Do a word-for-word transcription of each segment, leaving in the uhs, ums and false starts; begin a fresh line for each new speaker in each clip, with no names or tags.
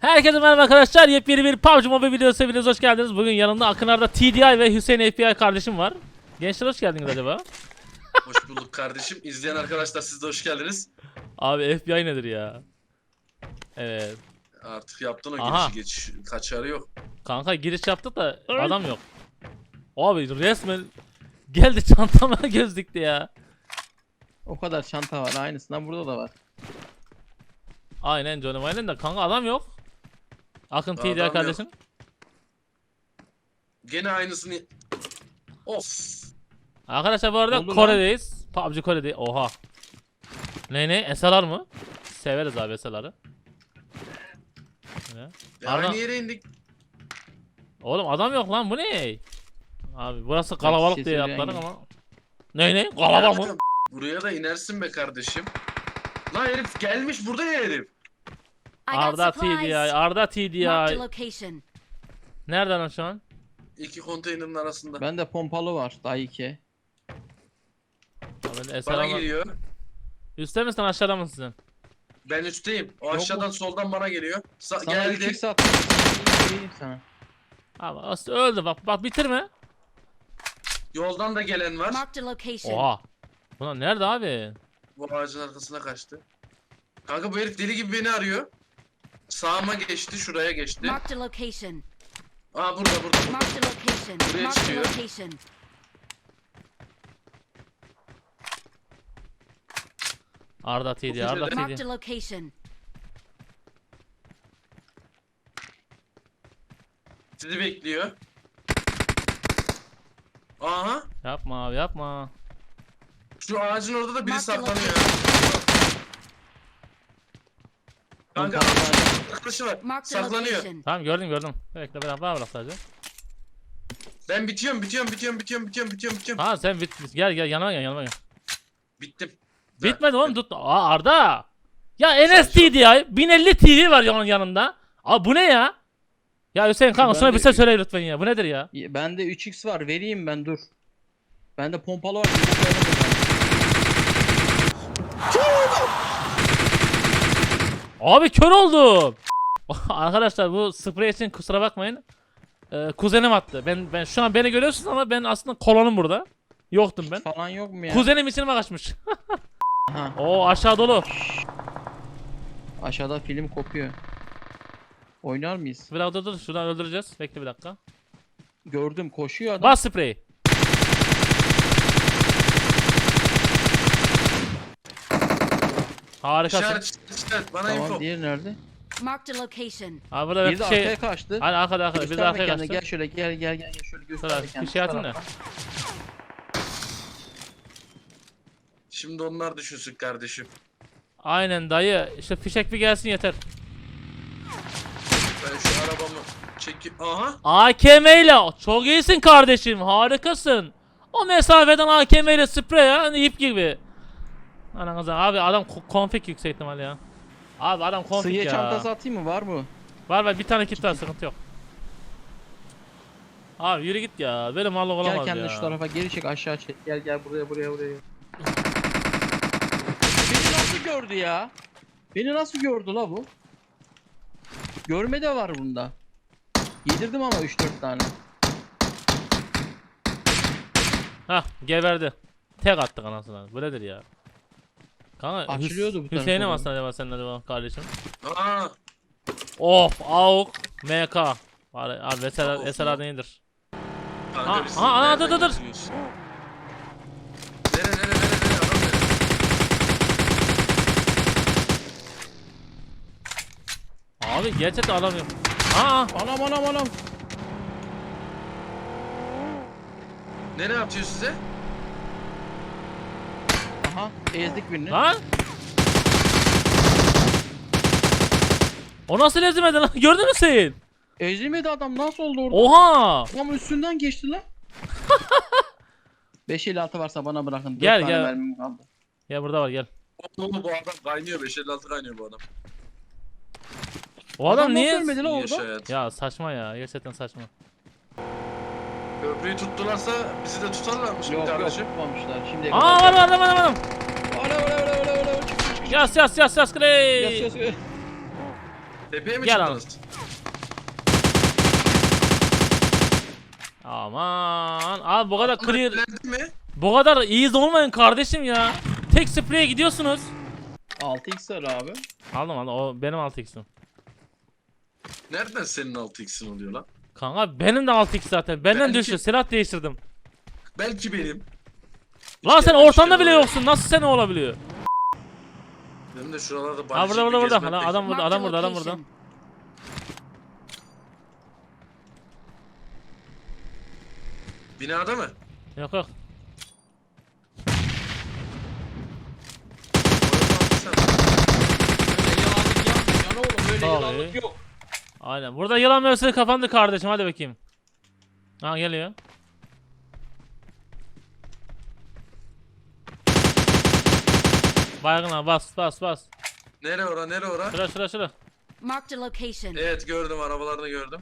Herkese merhaba arkadaşlar. Yepyeni bir P U B G Mobile videosu hepiniz hoş geldiniz. Bugün yanımda Akınar'da T D I ve Hüseyin F B I kardeşim var. Gençler hoş geldiniz acaba?
Hoş bulduk kardeşim. İzleyen arkadaşlar siz de hoş geldiniz.
Abi F B I nedir ya? Evet.
Artık yaptın o
Aha.
girişi geç. Kaçarı yok.
Kanka giriş yaptık da adam yok. Abi resmen geldi çantama göz dikti ya.
O kadar çanta var, aynısından burada da var.
Aynen Johnny aynen de kanka adam yok. Akın T D I
Adam
kardeşim.
Gene aynısını... Of.
Arkadaşlar bu arada
Oldu lan.
Kore'deyiz. P U B G Kore'deyiz. Oha. Ne ne? S L R mı? Severiz abi S L R'ı. Ne?
Ya
Arda-
aynı yere indik.
Oğlum adam yok lan bu ne? Abi burası kalabalık
şey
diye
söyleyen
atladık
gibi.
ama. Ne ne? Kalabalık mı?
Buraya da inersin be kardeşim. Lan herif gelmiş burada ya herif.
I got
Arda T D I,
supplies.
Arda T D
Marked a
I.
location.
Nereden o şu an?
İki konteynerin arasında.
Bende pompalı var, daha iki.
Abi, S L
Bana
R
geliyor.
Üstte misin aşağıda mısın sen?
Ben üstteyim. O
Yok
aşağıdan
mu?
soldan bana geliyor. Sa
Sana
geldi.
üç x attım. Vereyim sana.
Abi as- öldü bak bak bitirme.
Yoldan da gelen var.
Marked a location.
Oha. Buna nerede abi?
Bu ağacın arkasına kaçtı. Kanka bu herif deli gibi beni arıyor. Sağıma geçti, şuraya geçti.
Marked a location.
Aa burada burada. burada.
Marked a location.
Buraya
Marked a
çıkıyor.
location.
Arda T D I, Arda T D
Marked
I.
a location.
Sizi bekliyor. Aha.
Yapma abi yapma.
Şu ağacın orada da biri
Marked
saklanıyor. Kanka
Pompalı
arkadaşı var.
Marked a
Saklanıyor.
location.
Tamam gördüm gördüm. Bekle ben bana bırak sadece.
Ben bitiyorum, bitiyorum, bitiyorum, bitiyorum, bitiyorum, bitiyorum, bitiyorum.
Ha sen bit, bit. Gel gel yanıma gel yanıma gel.
Bittim.
Bitmedi oğlum tut. Aa Arda. Ya N S T D I bin elli T V var yanın yanında. Abi bu ne ya? Ya Hüseyin kanka
Ben
şuna
de-
bir şey söyle lütfen ya. Bu nedir ya?
Bende üç x var, vereyim ben, dur. Bende pompalı var.
Abi kör oldum. Arkadaşlar bu sprey için kusura bakmayın. Ee, kuzenim attı. Ben ben şu an beni görüyorsunuz ama ben aslında kolonum burada. Yoktum ben.
Falan yok mu ya?
Kuzenim içime kaçmış.
Aha,
Oo aşağı dolu.
aşağıda film kopuyor. Oynar mıyız?
Bir dakika dur dur şuradan öldüreceğiz. Bekle bir dakika.
Gördüm, koşuyor adam.
Bas spreyi. Harikasın.
İşaret, işaret, bana
Tamam,
info.
diğeri nerede?
Marked a location.
Abi burada
Bir de
bir şey.
arkaya kaçtı.
Hadi arkada arkada. Bir de
Gösterme
arkaya
kendini,
kaçtı.
gel şöyle, gel gel gel, gel şöyle göster
Şurada
kendini.
bir şey atın da.
tarafa.
Şimdi onlar düşünsün kardeşim.
Aynen dayı. İşte fişek bir gelsin yeter.
Ben şu arabamı çekip... Aha.
A K M ile çok iyisin kardeşim. Harikasın. O mesafeden A K M ile sprey ya. Hani ip gibi. Ananıza abi adam ko- konfig yüksek ihtimal ya. Abi adam konfig
Sıhhiye
ya.
çantası atayım mı, var mı?
Var var bir tane kit var sıkıntı yok. Abi yürü git ya. Böyle mallık olamaz
Gel kendini
ya.
şu tarafa geri çek, aşağı çek. Gel gel buraya buraya buraya. Beni nasıl gördü ya? Beni nasıl gördü la bu? Görme de var bunda. Yedirdim ama üç dört tane.
Hah geberdi. Tek attık anasını. Bu nedir ya? Kanka Hüs-
Açılıyordu bu tarafa
Hüseyin'e mi
doğru.
aslında acaba senin acaba kardeşim?
Aa.
Of AUK M K. Var abi
Of,
mesela
of.
mesela nedir?
Kanka
Aa,
biz
aa, aa,
nereden
dur, dur, dur.
gidiyoruz? Nere nere nere nere adam nere?
Abi gerçekten adam yok. Aa
Anam anam anam.
Nereye atıyor size?
Aha, ezdik birini.
lan. O nasıl ezmedi lan? Gördün mü sen?
Ezilmedi adam, nasıl oldu orada?
Oha.
Adam üstünden geçti lan. beş elli altı varsa bana bırakın. dört
Gel,
tane
gel.
mermim kaldı.
Ya burada var gel.
Oğlum bu adam kaynıyor. beş elli altı kaynıyor bu adam.
O adam,
nasıl
niye?
ölmedi lan
İyi
orada?
yaşa hayat.
Ya saçma ya. Gerçekten saçma.
Köprüyü tuttularsa bizi de tutarlarmış
Yok yok,
kardeşim.
tutmamışlar. Şimdiye
Aa var var adam adam adam.
Ola ola ola ola ola, çık çık çık.
Yas yas yas yas
Yas
grey.
yas yas.
Tepeye mi
Gel
çıktınız?
Aman abi bu kadar clear,
Öğrendi mi?
bu kadar iyi olmayın kardeşim ya. Tek spreye gidiyorsunuz.
altı x var abi.
Aldım aldım, o benim altı x'im.
Nereden senin altı x'in oluyor lan?
Kanka benim de altı x zaten. Benden
Belki-
düştü, silah değiştirdim.
Belki benim.
Lan
İşte
sen
ben
ortamda
işte
bile
oraya-
yoksun. Nasıl sen olabiliyor?
Benim de şuralarda
Ha
barışık
burada burada
bir
burada.
gezmek
Lan adam burada,
Marked a
adam burada, adam burada.
location.
Binada mı?
Yok yok.
Öyle yalanlık yapmayacaksın oğlum. Öyle
Tabii.
yalanlık yok.
Aynen. Burada yılan mevsimi kapandı kardeşim. Hadi bakayım. Ha geliyor. Baygına bas bas bas.
Nere ora nere ora?
Şura şura şura.
Marked a location.
Evet gördüm, arabalarını gördüm.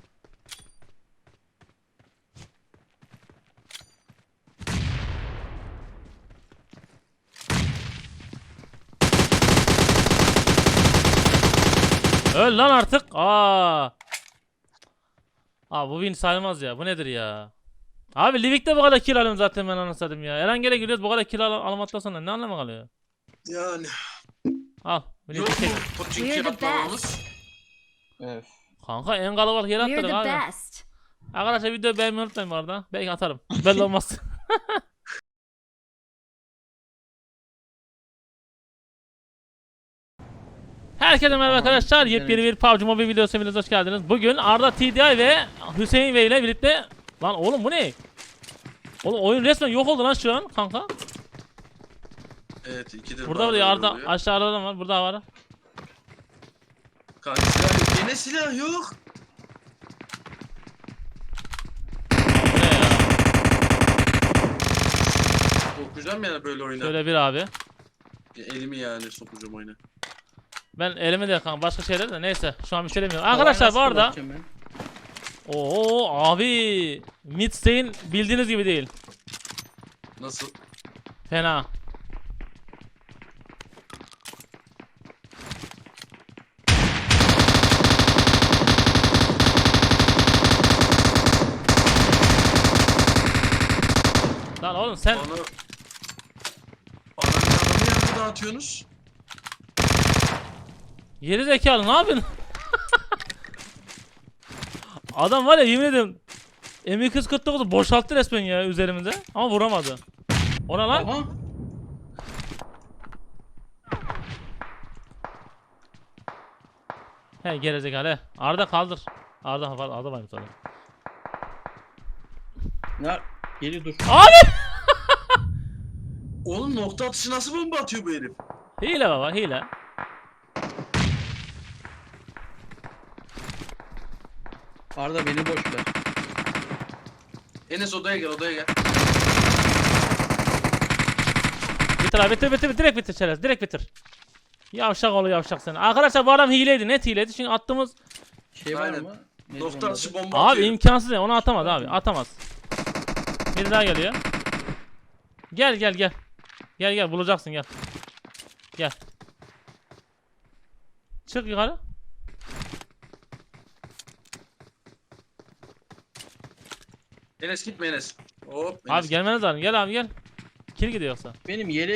Öl lan artık. Aa. Abi bu win sayılmaz ya. Bu nedir ya? Abi Livik'te bu kadar kill alıyorum zaten ben anlasadım ya. Erangel'e giriyoruz bu kadar kill al alamadıktan sonra ne anlamı kalıyor?
Yani.
Al.
Yok
Yok
mu? Poçinki
We're the
yapmamamız.
best.
Evet.
Kanka en kalabalık yere
We're
atladık
the
abi.
best.
Arkadaşlar videoyu beğenmeyi unutmayın bu arada. Belki atarım. Belli olmaz. Herkese merhaba arkadaşlar. Yepyeni bir P U B G Mobile videosu hepiniz hoş geldiniz. Bugün Arda T D I ve Hüseyin Bey ile birlikte... Lan oğlum bu ne? Oğlum oyun resmen yok oldu lan şu an kanka.
Evet ikidir.
Burada var
bazıları
ya Arda,
oluyor.
aşağıda adam var, burada var.
Kanka silah yok. Yine silah yok.
Bu ne ya?
Korkacağım yani böyle oyuna.
Şöyle bir abi.
Ya elimi yani sokacağım oyuna.
Ben elime de kanka başka şeyler de neyse şu an bir şey demiyorum. Arkadaşlar bu arada... Oo abi. Midstein bildiğiniz gibi değil.
Nasıl?
Fena. Lan oğlum sen
Bana... Ananın adamı yanında dağıtıyorsunuz.
geri zekalı ne yapıyorsun? Adam var ya yemin ederim M iki kırk dokuzu boşalttı resmen ya üzerimize ama vuramadı. Ona lan.
Aha.
He gerizekalı he. Arda kaldır. Arda var, Arda varmış orada.
Ne? Geri dur.
Abi!
Oğlum nokta atışı nasıl bomba atıyor bu herif?
Hile baba hile.
Arda beni boş ver.
Enes odaya gel, odaya gel.
Bitir abi bitir bitir direkt bitir çerez direkt bitir. Yavşak oğlu yavşak sen. Arkadaşlar bu adam hileydi net hileydi çünkü attığımız
Şey var
Aynen.
mı? Nedir
Nokta
onun
atışı
adı?
bomba
abi
atıyor.
imkansız ya onu atamaz abi atamaz. Bir daha geliyor. Gel gel gel. Gel gel bulacaksın gel. Gel. Çık yukarı.
Enes gitme Enes. Hop. Enes.
Abi gelmeniz lazım gel abi gel. Kill gidiyor yoksa.
Benim yeleğe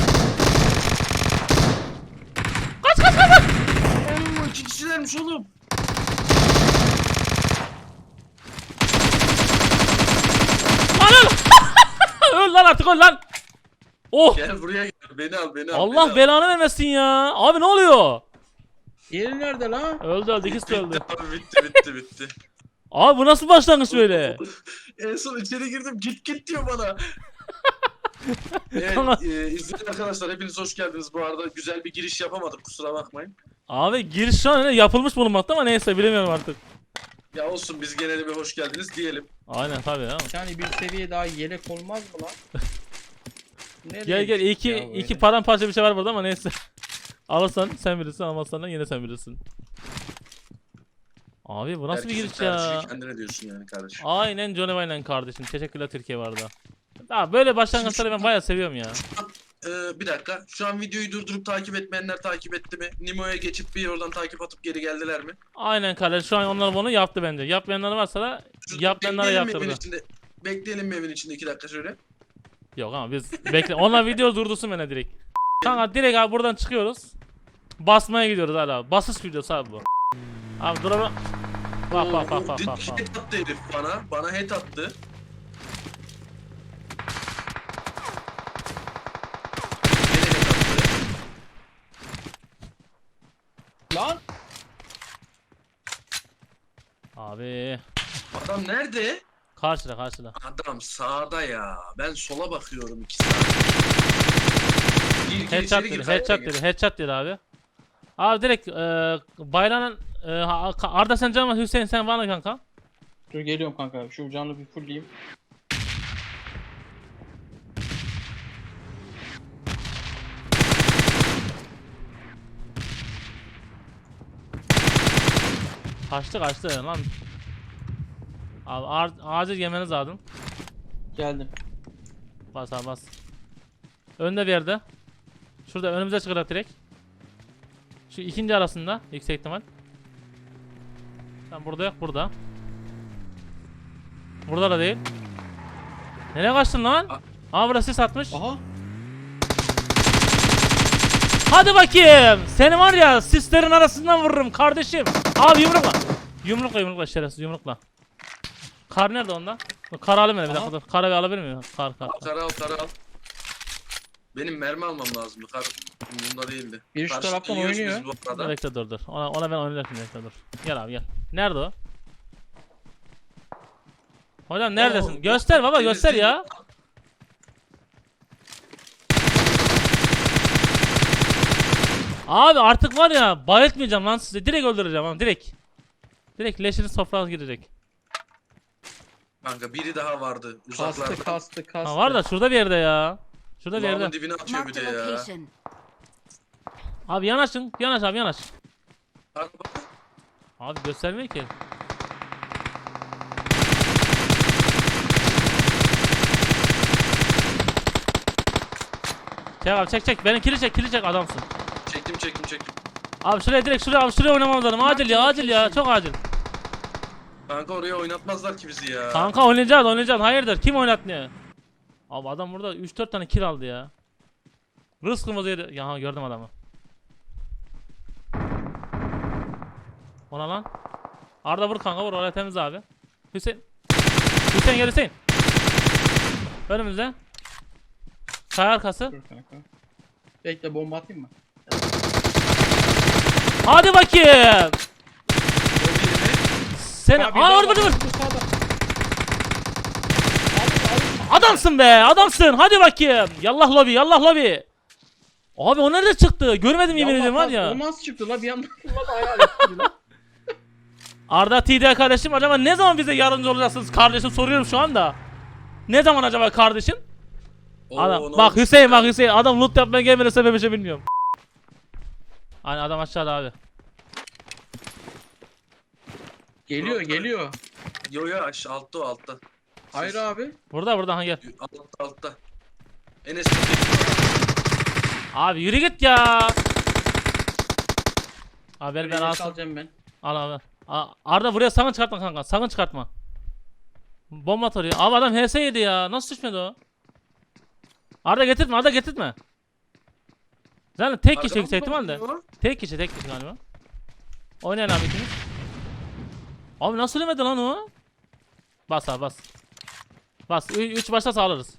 Oo, iki kişilermiş oğlum.
Lan öl. Öl lan artık öl lan. Oh.
Gel buraya gel. Beni al, beni al. beni
Allah
al.
belanı vermesin ya. Abi ne oluyor?
Yeri nerede lan?
Öldü öldü ikisi de öldü.
Bitti abi, bitti bitti bitti.
Abi bu nasıl başlangıç böyle?
En son içeri girdim, git git diyor bana. Evet,
Tamam.
e, izleyen arkadaşlar hepiniz hoş geldiniz. Bu arada güzel bir giriş yapamadık, kusura bakmayın.
Abi giriş şu an öyle yapılmış bulunmakta ama neyse bilemiyorum artık.
Ya olsun, biz gene de bir hoş geldiniz diyelim.
Aynen tabii ya.
Yani bir seviye daha yelek olmaz mı lan? Nereye
Gel gel
düştük
iki
ya böyle?
iki paramparça bir şey var burada ama neyse. Alırsan sen bilirsin almazsan da yine sen bilirsin. Abi bu nasıl bir
Herkesin
giriş ya?
tercihi kendine diyorsun yani kardeşim.
Aynen Johnny Wayne'le kardeşim. Teşekkürler Türkiye vardı. Daha böyle başlangıçları ben bayağı seviyorum ya.
Ee, bir dakika. Şu an videoyu durdurup takip etmeyenler takip etti mi? Nimo'ya geçip bir oradan takip atıp geri geldiler mi?
Aynen kardeş, şu an onlar bunu yaptı bence. Yapmayanlar varsa da
Şurada
yapmayanlara
bekleyelim mi evin
yaptırdı.
içinde? Bekleyelim mi evin içinde iki dakika şöyle?
Yok ama biz bekle. Onlar video durdursun bana direkt. Kanka direkt abi buradan çıkıyoruz. Basmaya gidiyoruz hala. Basış videosu abi bu. Abi dur ama. Bak bak bak bak
Dik-
bak. bak.
Head attı herif bana. Bana head attı. Gene head attı.
Lan.
Abi.
Adam nerede?
Karşıda karşıda.
Adam sağda ya. Ben sola bakıyorum iki saat. Gir gir
Headshot
içeri gir.
dedi,
kayda
headshot
gir.
dedi, headshot dedi abi. Abi direkt e, bayrağın e, ha- Arda sen canım, Hüseyin sen var mı kanka?
Dur geliyorum kanka. Şu canlı bir fullleyeyim.
Kaçtı kaçtı lan. Abi ar- acil yemeniz lazım.
Geldim.
Bas abi bas. Önde bir yerde. Şurada önümüze çıkacak direkt. Şu ikinci arasında yüksek ihtimal. Sen burada yok, burada. Burada da değil. Nereye kaçtın lan? Aa burası sis atmış.
Aha.
Hadi bakayım. Seni var ya sislerin arasından vururum kardeşim. Abi yumrukla. Yumrukla yumrukla şerefsiz yumrukla. Kar nerede onda? Kar alayım bir dakika
Aha.
dur. Karı bir alabilir miyim? Kar kar.
Al kara al kara al. Benim mermi almam lazım. Kar bunda değildi.
Biri şu
Karşıda
taraftan
yiyoruz
oynuyor.
biz bu arada.
Bekle dur dur. Ona, ona ben oynarım bekle dur. Gel abi gel. Nerede o? Hocam neredesin?
Oo,
Göster baba
seni-
göster
seni-
ya. Abi artık var ya bayıltmayacağım lan sizi. Direkt öldüreceğim ama direkt. Direkt leşiniz toprağa girecek.
Kanka biri daha vardı
Kastı
uzaklarda.
kastı kastı.
Ha var da şurada bir yerde ya. Şurada bir
Kulağımın
yerde.
dibine atıyor bir
Marked
de
a
ya.
location.
Abi yanaşın. Yanaş abi yanaş.
Kanka bak.
Abi göstermiyor ki. Çek abi çek çek. Beni kili çek kili çek adamsın.
Çektim çektim çektim.
Abi şuraya direkt şuraya abi şuraya oynamamız lazım. Acil ya acil ya çok acil.
Kanka oraya oynatmazlar ki bizi ya.
Kanka oynayacağız oynayacağız. Hayırdır kim oynatmıyor? Abi adam burada üç dört tane kill aldı ya. Rızkımız yedi. Ya gördüm adamı. Ona lan. Arda vur kanka vur oraya temiz abi. Hüseyin. Hüseyin gel Hüseyin. Önümüzde. Kaya arkası.
Dur kanka. Bekle bomba atayım mı?
Hadi bakayım.
O birini.
Sen
Ha, bir
aa
daha
vur
var.
vur vur.
Bu sağda.
Adamsın be adamsın. Hadi bakayım. Yallah lobi yallah lobi. Abi o nerede çıktı? Görmedim yemin
Yallah
ederim var
kaz-
ya.
O nasıl çıktı la bir anda? La da hayal etti la.
Arda T D kardeşim acaba ne zaman bize yardımcı olacaksınız kardeşim soruyorum şu anda. Ne zaman acaba kardeşim?
Oo,
Adam
ne
bak
oldu
Hüseyin
ya?
bak Hüseyin adam loot yapmaya gelmedi sebebi bir şey bilmiyorum. Hani adam aşağıda abi.
Geliyor
Burak'ta-
geliyor.
Yo yo aşağı altta o altta.
Hayır abi.
Burada burada ha gel.
Altta altta. Enes
Abi yürü git ya. Abi ver ben
Beni
alsın.
alacağım ben.
Al abi. A- Arda buraya sakın çıkartma kanka. Sakın çıkartma. Bomba at oraya. Abi adam H S yedi ya. Nasıl düşmedi o? Arda getirtme Arda getirtme. Zaten tek kişi yüksek ihtimalle. Tek kişi tek kişi galiba. Oynayın abi ikiniz. Abi nasıl ölmedi lan o? Bas abi bas. Bas. üç başta sağlarız.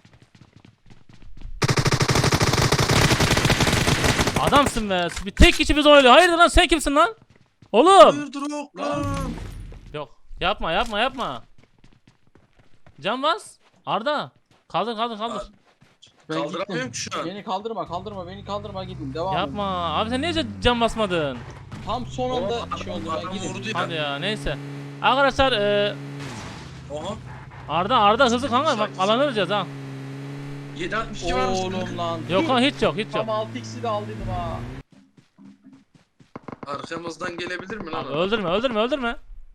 Adamsın be. Bir tek kişi bizi oynuyor. Hayırdır lan sen kimsin lan? Oğlum.
Hayırdır yok lan.
Yok. Yapma yapma yapma. Can bas. Arda. Kaldır kaldır kaldır.
Abi,
Ben
Kaldıramıyorum
gittim.
ki şu an.
Beni kaldırma kaldırma beni kaldırma gidin devam edin.
Yapma. Abi sen niye can basmadın?
Tam son anda
Oha,
şey oldu
adam
ben gidin.
vurdu ya.
Hadi ya neyse. Arkadaşlar e,
Oha.
Arda Arda hızlı kanka bak
Sakin,
alanı
sakin.
vereceğiz ha.
yedi altmış iki var mı?
Oğlum lan.
Yok lan hiç yok hiç yok.
Tam altı x'i de aldıydım ha.
Arkamızdan gelebilir mi lan?
Abi
adam?
öldürme öldürme öldürme.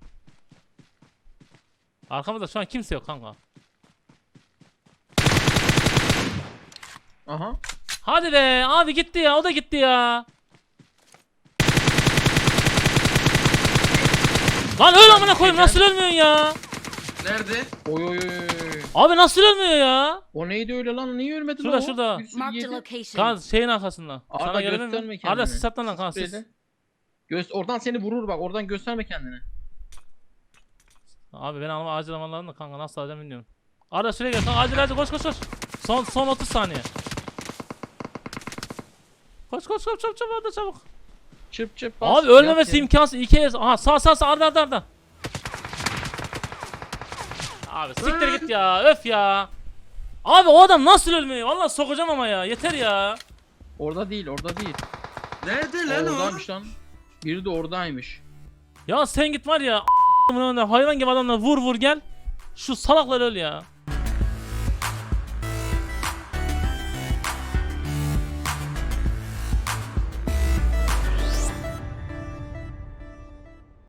Arkamızda şu an kimse yok kanka.
Aha.
Hadi be abi gitti ya o da gitti ya. Lan öl amına koyayım nasıl ölmüyorsun ya?
Nerede?
Oy oy oy oy.
Abi nasıl ölmüyor ya?
O neydi öyle lan? Niye ölmedi
Şurada,
lan o?
şurada.
Bir sürü
Marked a
yedi.
location.
Kan şeyin arkasında.
Arda
Sana gelemem
gösterme
mi?
kendini.
Arda siz satlan lan kan siz.
Spreyde. Göz oradan seni vurur bak. Oradan gösterme kendini.
Abi ben alma acil almalarım da kanka nasıl alacağım bilmiyorum. Arda şuraya gel kanka acil acil koş koş koş. Son son otuz saniye. Koş koş koş çabuk çabuk Arda çabuk.
Çıp çıp bas.
Abi ölmemesi
yat yere.
imkansız. İki kez. Aha sağ sağ sağ Arda Arda Arda. Abi siktir git ya öf ya. Abi o adam nasıl ölmüyor? Vallahi sokacağım ama ya yeter ya.
Orada değil orada değil.
Nerede lan o?
Oradaymış lan. Biri de oradaymış.
Ya sen git var ya a**ımın önünde hayvan gibi adamla vur vur gel. Şu salaklar öl ya.